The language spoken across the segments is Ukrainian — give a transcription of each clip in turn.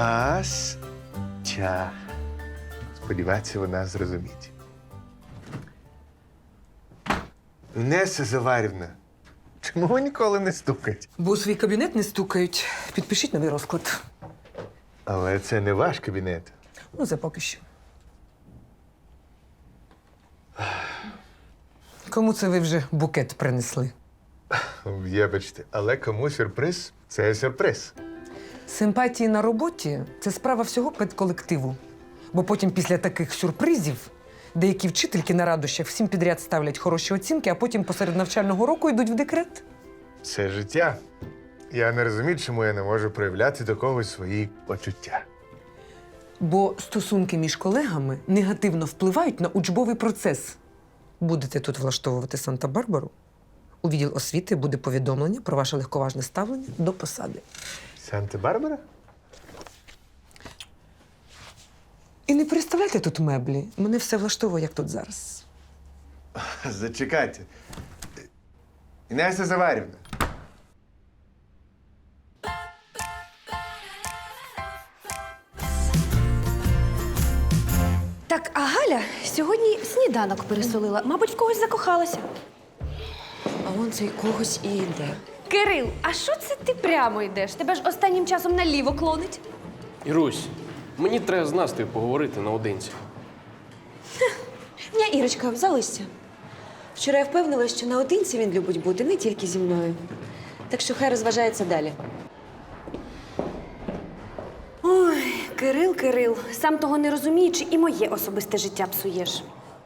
Астя. Сподіваюся, вона зрозуміє. Інеса Заварівна, чому ви ніколи не стукаєте? Бо у свій кабінет не стукають. Підпишіть новий розклад. Але це не ваш кабінет. Ну, це поки що. Кому це ви вже букет принесли? Вибачте, але кому сюрприз – це сюрприз. Симпатії на роботі – це справа всього педколективу. Бо потім після таких сюрпризів деякі вчительки на радощах всім підряд ставлять хороші оцінки, а потім посеред навчального року йдуть в декрет. Це життя. Я не розумію, чому я не можу проявляти до когось свої почуття. Бо стосунки між колегами негативно впливають на учбовий процес. Будете тут влаштовувати Санта-Барбару, у відділ освіти буде повідомлення про ваше легковажне ставлення до посади. Санта-Барбара? І не переставляйте тут меблі. Мене все влаштовує, як тут зараз. Зачекайте. Інеса Заварівна. Так, а Галя сьогодні сніданок пересолила. Мабуть, в когось закохалася. А он цей когось і йде. Кирил, а що це ти прямо йдеш? Тебе ж останнім часом наліво клонить. Ірусь, мені треба з Настею поговорити наодинці. Ні, Ірочка, залишся. Вчора я впевнилася, що наодинці він любить бути не тільки зі мною. Так що хай розважається далі. Ой, Кирил, сам того не розуміючи, і моє особисте життя псуєш.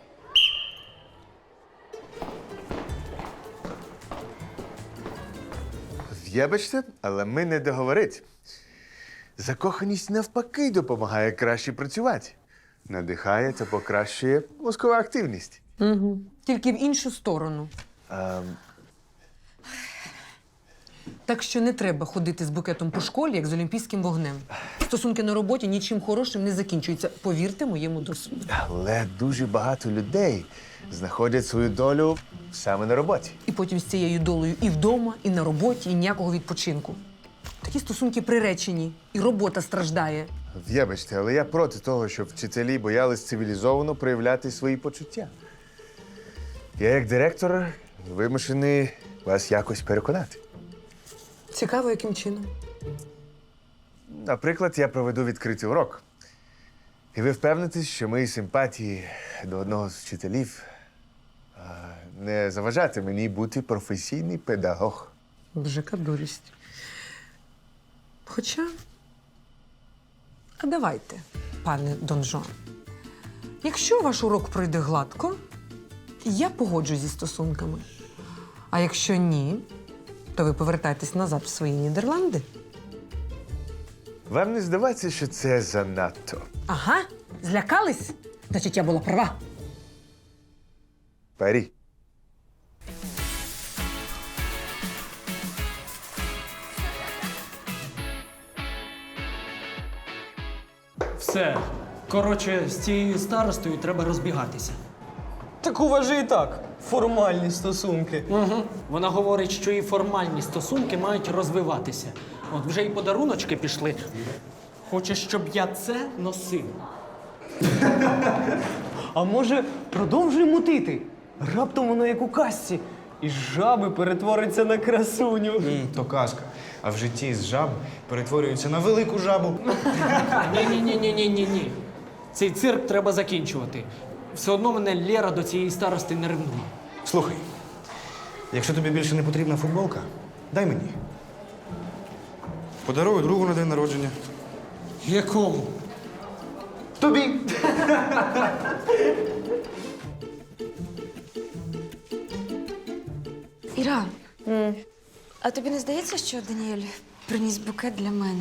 Вибачте, але ми не договорить. Закоханість навпаки допомагає краще працювати. Надихає та покращує мозкову активність. Угу. Тільки в іншу сторону. Так що не треба ходити з букетом по школі, як з олімпійським вогнем. Стосунки на роботі нічим хорошим не закінчуються. Повірте моєму досвіду. Але дуже багато людей знаходять свою долю саме на роботі. І потім з цією долею і вдома, і на роботі, і ніякого відпочинку. Такі стосунки приречені, і робота страждає. Вибачте, але я проти того, щоб вчителі боялись цивілізовано проявляти свої почуття. Я, як директор, вимушений вас якось переконати. Цікаво, яким чином. Наприклад, я проведу відкритий урок. І ви впевнитесь, що мої симпатії до одного з вчителів не заважати мені бути професійний педагог. Боже, яка дурість. Хоча, а давайте, пане Дон Жуан. Якщо ваш урок пройде гладко, я погоджусь зі стосунками. А якщо ні, то ви повертаєтесь назад в свої Нідерланди. Вам не здається, що це занадто? Ага, злякались? Значить, я була права. Парі. Все. Коротше, з цією старостою треба розбігатися. Так у вас же і так формальні стосунки. Угу. Вона говорить, що і формальні стосунки мають розвиватися. От вже і подаруночки пішли. Хоче, щоб я це носив. А може, продовжуй мутити? Раптом воно як у казці. І з жаби перетвориться на красуню. То казка. А в житті з жаб перетворюються на велику жабу. Ні. Цей цирк треба закінчувати. Все одно мене Лера до цієї старости не ревнує. Слухай, якщо тобі більше не потрібна футболка, дай мені. Подарую другу на день народження. Якому? Тобі. Іра, а тобі не здається, що Даніель приніс букет для мене?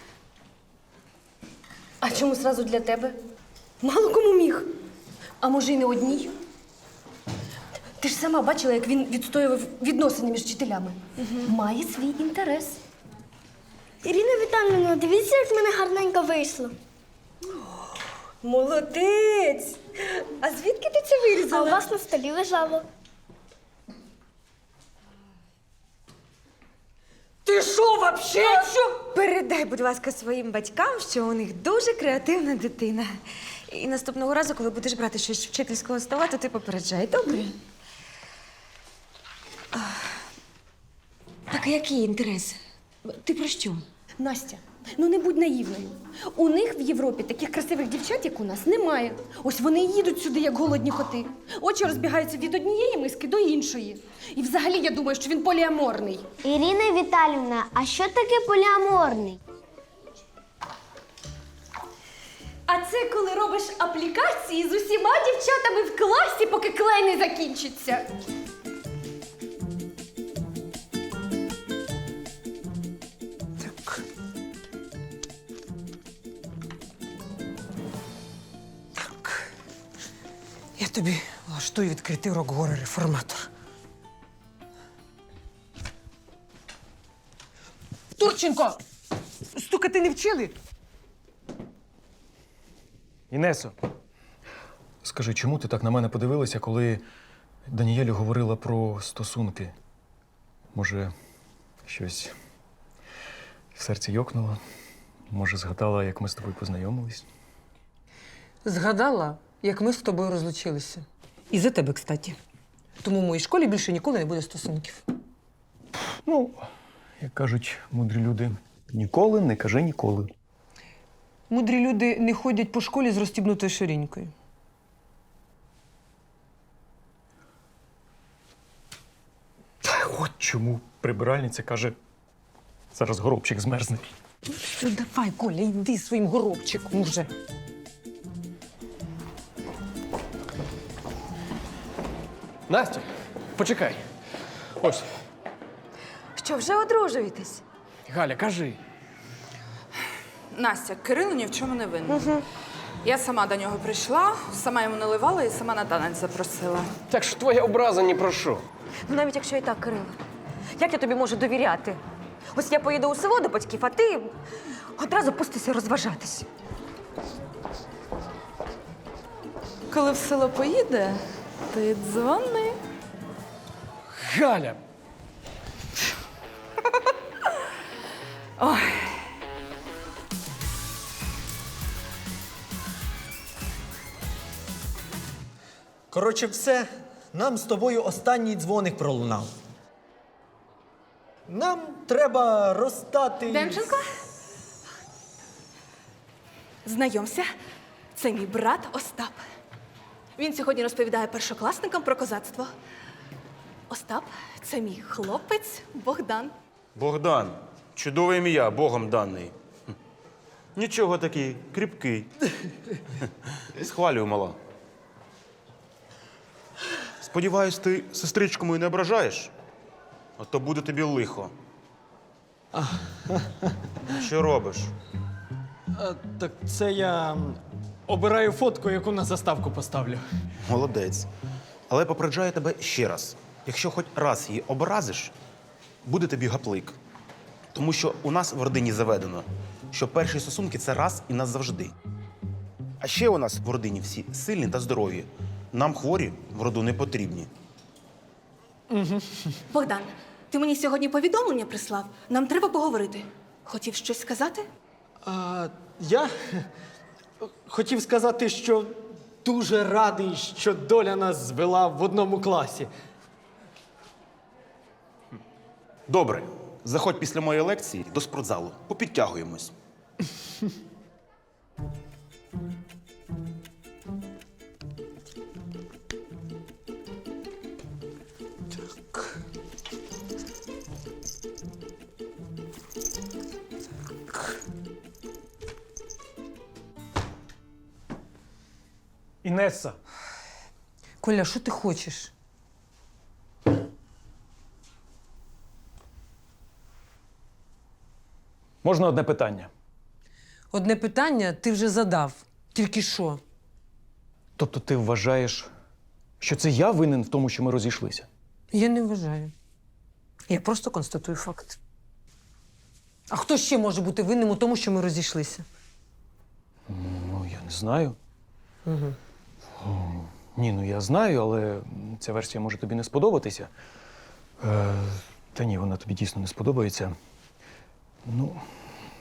А чому зразу для тебе? Мало кому міг. А може, й не одній? Ти ж сама бачила, як він відстоював відносини між вчителями. Має свій інтерес. Ірина Віталіївна, дивіться, як в мене гарненько вийшло. Молодець! А звідки ти це А вирізала? у вас на столі лежало. Ти що, вообще? Що? Передай, будь ласка, своїм батькам, що у них дуже креативна дитина. І наступного разу, коли будеш брати щось з вчительського стола, то ти попереджай, добре? Так а який інтерес? Ти про що? Настя, ну не будь наївною. У них в Європі таких красивих дівчат, як у нас, немає. Ось вони і їдуть сюди, як голодні коти. Очі розбігаються від однієї миски до іншої. І взагалі я думаю, що він поліаморний. Ірина Віталівна, а що таке поліаморний? А це коли робиш аплікації з усіма дівчатами в класі, поки клей не закінчиться. Так. Так. Я тобі влаштую відкритий урок горе-реформатор. Турченко! Стукати не вчили? Інесо, скажи, чому ти так на мене подивилася, коли Даніелі говорила про стосунки? Може, щось в серці йокнуло? Може, згадала, як ми з тобою познайомились? Згадала, як ми з тобою розлучилися. І за тебе, кстати. Тому в моїй школі більше ніколи не буде стосунків. Ну, як кажуть мудрі люди, ніколи не кажи ніколи. Мудрі люди не ходять по школі з розстібнутою ширинькою. От чому прибиральниця каже, зараз горобчик змерзне. Що, давай, Коля, йди своїм горобчиком уже. Настя, почекай. Ось, Що, вже одружуєтесь? Галя, кажи. Настя, Кирило ні в чому не винен. Я сама до нього прийшла, сама йому наливала і сама на танець запросила. Так що твоя образа ні про що. Ну, навіть якщо і так, Кирило. Як я тобі можу довіряти? Ось я поїду у село до батьків, а ти одразу пустися розважатись. Коли в село поїде, ти дзвони. Галя! Ой. Коротше, все. Нам з тобою останній дзвоник пролунав. Нам треба розстати. Демченко? Знайомся, це мій брат Остап. Він сьогодні розповідає першокласникам про козацтво. Остап – це мій хлопець Богдан. Богдан. Чудове ім'я, Богом даний. Нічого такий, кріпкий. Схвалюю, мала. Сподіваюсь, ти сестричку мою не ображаєш? А то буде тобі лихо. Що робиш? Так це я обираю фотку, яку на заставку поставлю. Молодець. Але попереджаю тебе ще раз. Якщо хоч раз її образиш, буде тобі гаплик. Тому що у нас в родині заведено, що перші стосунки – це раз і назавжди. А ще у нас в родині всі сильні та здорові. Нам хворі в роду не потрібні. Богдан, ти мені сьогодні повідомлення прислав? Нам треба поговорити. Хотів щось сказати? Я хотів сказати, що дуже радий, що доля нас звела в одному класі. Добре. Заходь після моєї лекції до спортзалу. Попідтягуємось. Інеса, Коля, що ти хочеш? можна одне питання? Одне питання ти вже задав. Тільки що? Тобто ти вважаєш, що це я винен в тому, що ми розійшлися? Я не вважаю. Я просто констатую факт. А хто ще може бути винним у тому, що ми розійшлися? Ну, я не знаю. Ні, ну я знаю, але ця версія може тобі не сподобатися. Та ні, вона тобі дійсно не сподобається. Ну,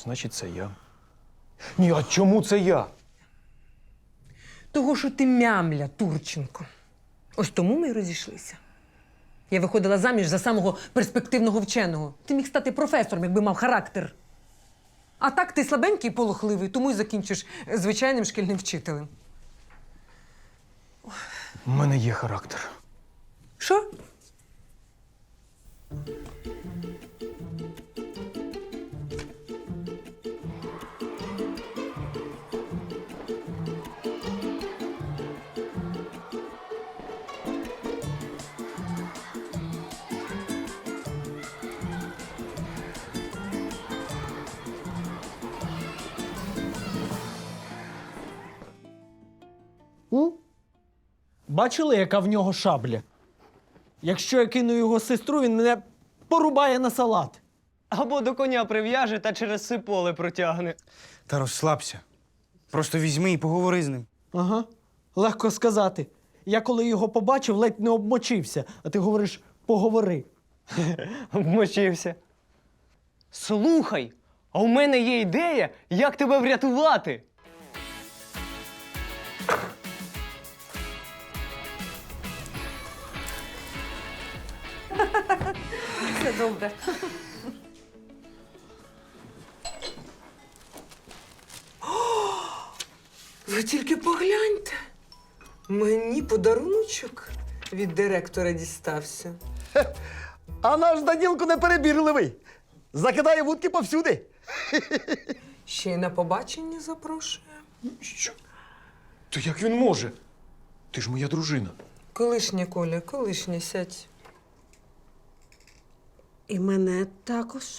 Значить, це я. Ні, а чому це я? Того, що ти мямля, Турченко. Ось тому ми й розійшлися. Я виходила заміж за самого перспективного вченого. Ти міг стати професором, якби мав характер. А так ти слабенький і полохливий, тому й закінчиш звичайним шкільним вчителем. У мене є характер. Що? Бачили, яка в нього шабля? Якщо я кину його сестру, він мене порубає на салат. Або до коня прив'яже та через все поле протягне. Та розслабся. Просто візьми і поговори з ним. Ага. Легко сказати. Я коли його побачив, ледь не обмочився, а ти говориш поговори. Обмочився. Слухай, а у мене є ідея, як тебе врятувати. Все добре. Ви тільки погляньте. Мені подаруночок від директора дістався. А наш Данілко неперебірливий. Закидає вудки повсюди. Ще й на побачення запрошує. Що? То як він може? Ти ж моя дружина. Колишня, Коля, колишня, сядь. І мене також.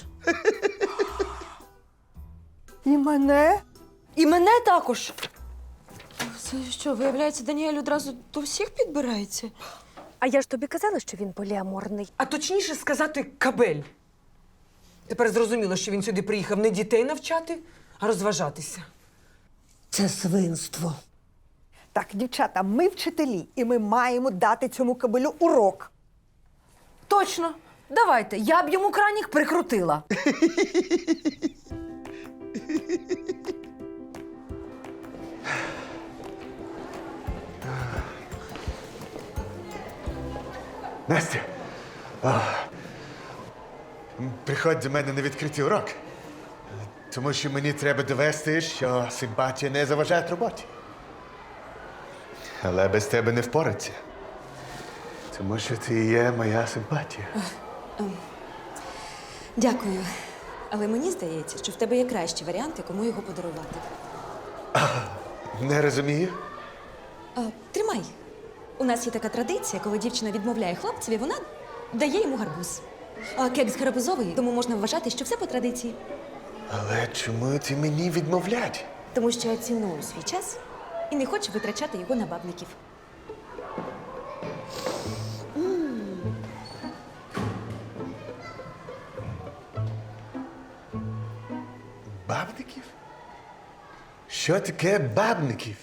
І мене? І мене також. Це що, виявляється, Даніель одразу до всіх підбирається? А я ж тобі казала, що він поліаморний. А точніше сказати кабель. Тепер зрозуміло, що він сюди приїхав не дітей навчати, а розважатися. Це свинство. Так, дівчата, ми вчителі, і ми маємо дати цьому кабелю урок. Точно. Давайте, я б йому кранік прикрутила. Настя, приходь до мене на відкритий урок. Тому що мені треба довести, що симпатія не заважає роботі. Але без тебе не впораться. Тому що ти є моя симпатія. Дякую. Але мені здається, що в тебе є кращі варіанти, кому його подарувати. Не розумію. Тримай. У нас є така традиція, коли дівчина відмовляє хлопцеві, вона дає йому гарбуз. А кекс гарбузовий, тому можна вважати, що все по традиції. Але чому ти мені відмовлять? Тому що я ціную свій час і не хочу витрачати його на бабників. Бабників? Що таке бабників?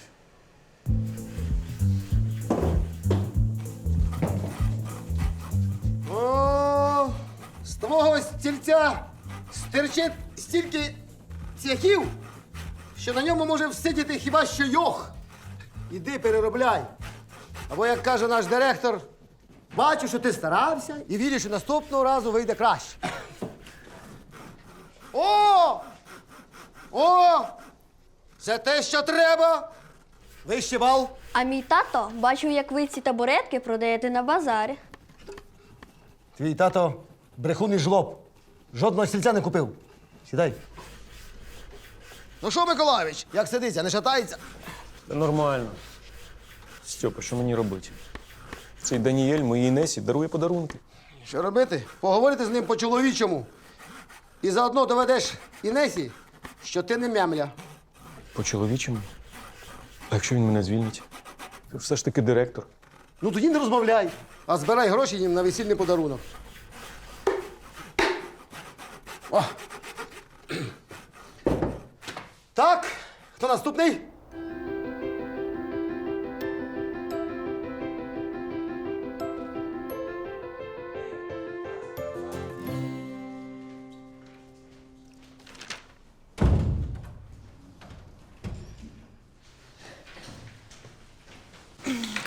О, з твого стільця стирчить стільки цвяхів, що на ньому може всидіти хіба що йох. Іди переробляй. Або, як каже наш директор, бачу, що ти старався і вірю, що наступного разу вийде краще. О! О! Це те, що треба. Вищий бал. А мій тато бачив, як ви ці табуретки продаєте на базарі. Твій тато брехун і жлоб. Жодного стільця не купив. Сідай. Ну що, Миколайович, як сидиться, не шатається? Нормально. Стьопа, що мені робити? Цей Даніель моїй Несі дарує подарунки. Що робити? Поговорити з ним по-чоловічому. І заодно доведеш Інесі, що ти не мямля. По-чоловічому? А якщо він мене звільнить? Ти все ж таки директор. Ну тоді не розмовляй, а збирай гроші їм на весільний подарунок. О. Так, хто наступний?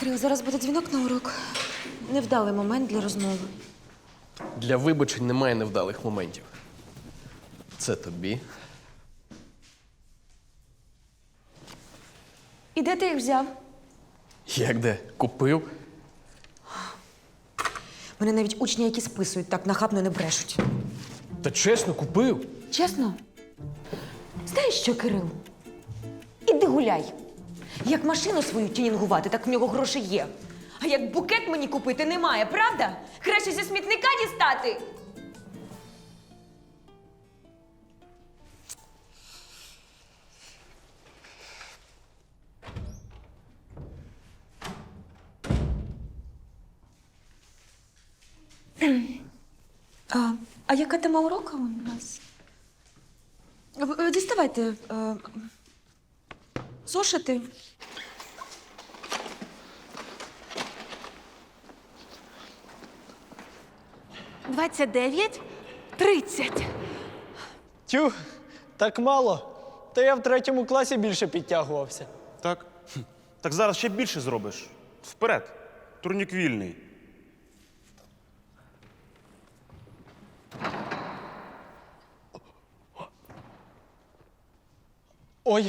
Кирил, зараз буде дзвінок на урок. Невдалий момент для розмови. Для вибачень немає невдалих моментів. Це тобі. І де ти їх взяв? Як де? Купив? Мене навіть учні, які списують, так нахабно не брешуть. Та чесно, купив. Чесно? Знаєш що, Кирил? Іди гуляй. Як машину свою тюнінгувати, так в нього гроші є. А як букет мені купити немає, правда? Краще зі смітника дістати. А яка тема уроку у нас? Діставайте зошити. Тю, так мало. Та я в 3 класі більше підтягувався. Так? Так зараз ще більше зробиш. Вперед. Турнік вільний. Ой.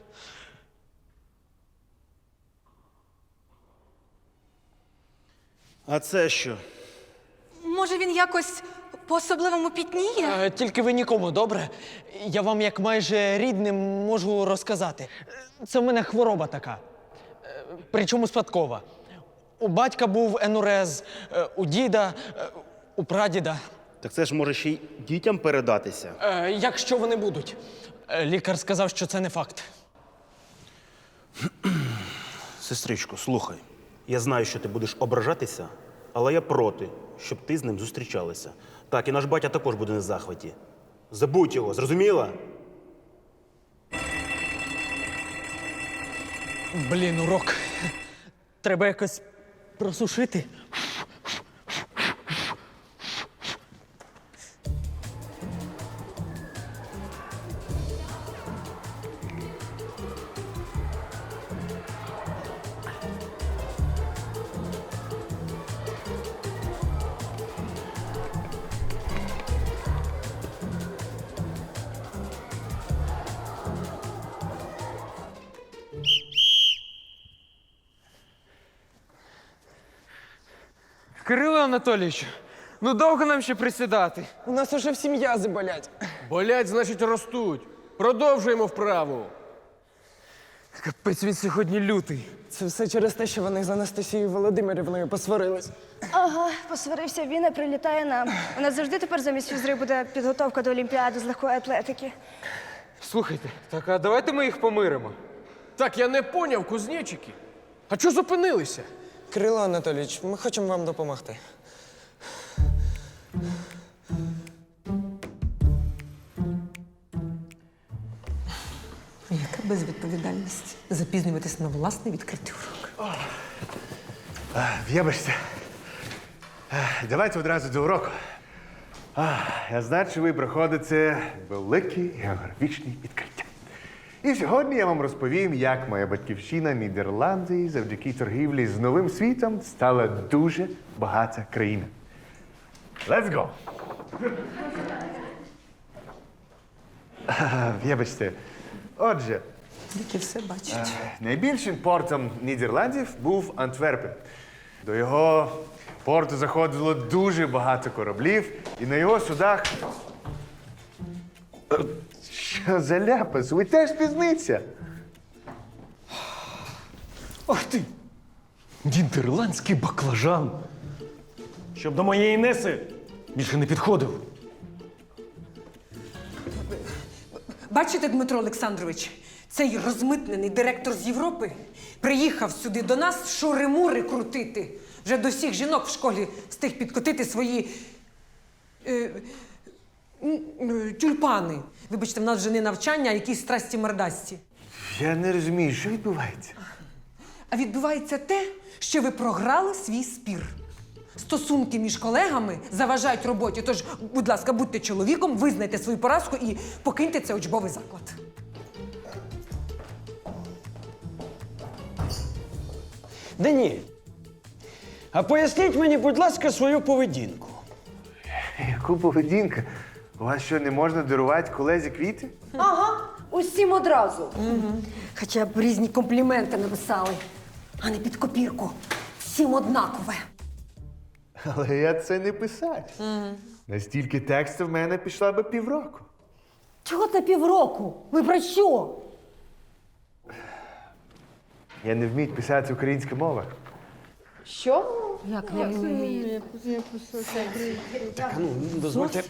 А це що? Може, він якось по-особливому пітніє? Тільки ви нікому, добре? Я вам, як майже рідним, можу розказати. Це в мене хвороба така. Причому спадкова. У батька був енурез, у діда, у прадіда. Так це ж може ще й дітям передатися. Якщо вони будуть. Лікар сказав, що це не факт. Сестричко, слухай. Я знаю, що ти будеш ображатися, але я проти, щоб ти з ним зустрічалася. Так, і наш батя також буде не в захваті. Забудь його, зрозуміла? Блін, урок. Треба якось просушити. Кирило Анатолійович, ну довго нам ще присідати? У нас уже всі м'язи болять. Болять, значить, ростуть. Продовжуємо вправу. Капець, він сьогодні лютий. Це все через те, що вони з Анастасією Володимирівною посварились. Ага, посварився він і прилітає нам. У нас завжди тепер замість фізри буде підготовка до Олімпіади з легкої атлетики. Слухайте, так а давайте ми їх помиримо. Так, я не поняв, кузнечики. А чого зупинилися? Кирило Анатолійович, ми хочемо вам допомогти. Яка безвідповідальність запізнюватись на власний відкритий урок. Вибачте. Давайте одразу до уроку. Я знаю, що ви проходите великі географічні відкриття. І сьогодні я вам розповім, як моя батьківщина Нідерланди завдяки торгівлі з новим світом стала дуже багата країна. Let's go! Вибачте. Отже, Які все бачать. найбільшим портом Нідерландів був Антверпен. До його порту заходило дуже багато кораблів, і на його судах. Що за ляпас? Ви теж пізниця. Ах ти! Нідерландський баклажан! Щоб до моєї Неси більше не підходив. Бачите, Дмитро Олександрович, цей розмитнений директор з Європи приїхав сюди до нас шури-мури крутити. Вже до всіх жінок в школі встиг підкотити свої тюльпани. Вибачте, в нас вже не навчання, а якісь страсті мордасті. Я не розумію, що відбувається. А відбувається те, що ви програли свій спір. Стосунки між колегами заважають роботі. Тож, будь ласка, будьте чоловіком, визнайте свою поразку і покиньте цей учбовий заклад. Даніель, а поясніть мені, будь ласка, свою поведінку. Яку поведінку? У вас що, не можна дарувати колезі квіти? Ага, усім одразу. Хоча б різні компліменти написали, а не під копірку. Всім однакове. Але я це не писать. Настільки тексту в мене пішла би півроку. Чого це півроку? Ви про що? Я не вмію писати українська мова. Що? Як не вміє? Так, ну, дозвольте.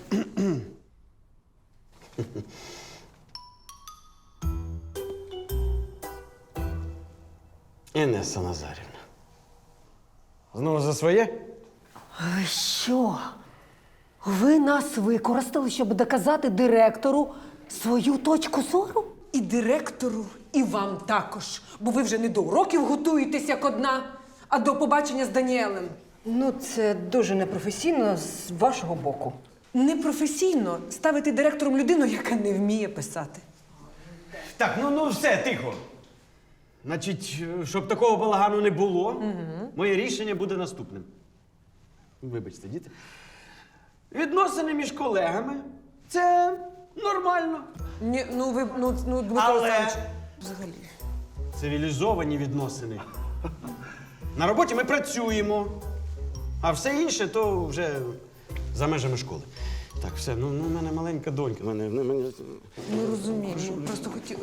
Інеса Назарівна. Знову за своє? Ви що? Ви нас використали, щоб доказати директору свою точку зору? І директору, і вам також. Бо ви вже не до уроків готуєтесь як одна, а до побачення з Даніелем. Ну, це дуже непрофесійно з вашого боку. Непрофесійно ставити директором людину, яка не вміє писати. Так, ну все, тихо. Значить, щоб такого балагану не було, моє рішення буде наступним. Вибачте, діти. Відносини між колегами це нормально. Ні, ну, Дмитро Але Олександрович, взагалі. цивілізовані відносини. На роботі ми працюємо, а все інше то вже за межами школи. Так, все, ну в мене маленька донька. Ну, розумію, просто хотіла.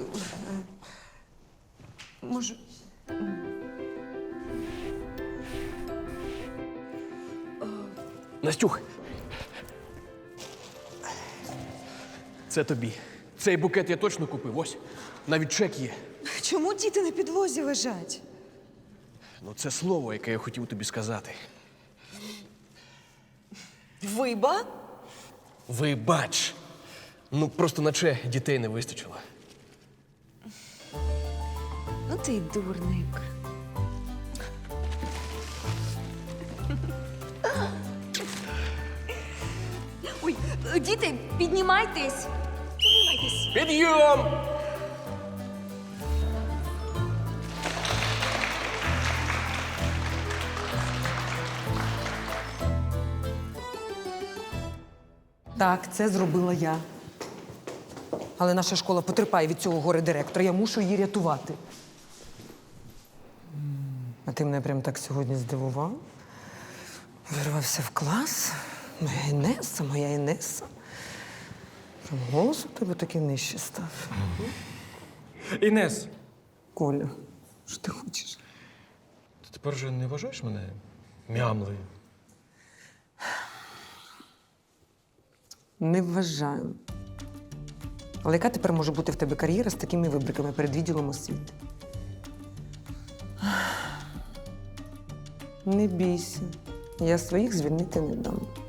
Може. Настюх. Це тобі. Цей букет я точно купив. Ось. Навіть чек є. Чому діти на підлозі лежать? Ну, це слово, яке я хотів тобі сказати. Виба? Вибач. Ну, просто наче дітей не вистачило. Ну ти й дурник. Ой, діти, піднімайтесь. Піднімайтесь. Підйом! Так, це зробила я. Але наша школа потерпає від цього горе-директора. Я мушу її рятувати. А ти мене прям так сьогодні здивував. Вирвався в клас. Моя Інеса. Прям голос у тебе такий нижче став. Інес, Коля, що ти хочеш? ти тепер вже не вважаєш мене мямлею? Не вважаю. Але яка тепер може бути в тебе кар'єра з такими вибриками перед відділом освіти? Не бійся. Я своїх звільнити не дам.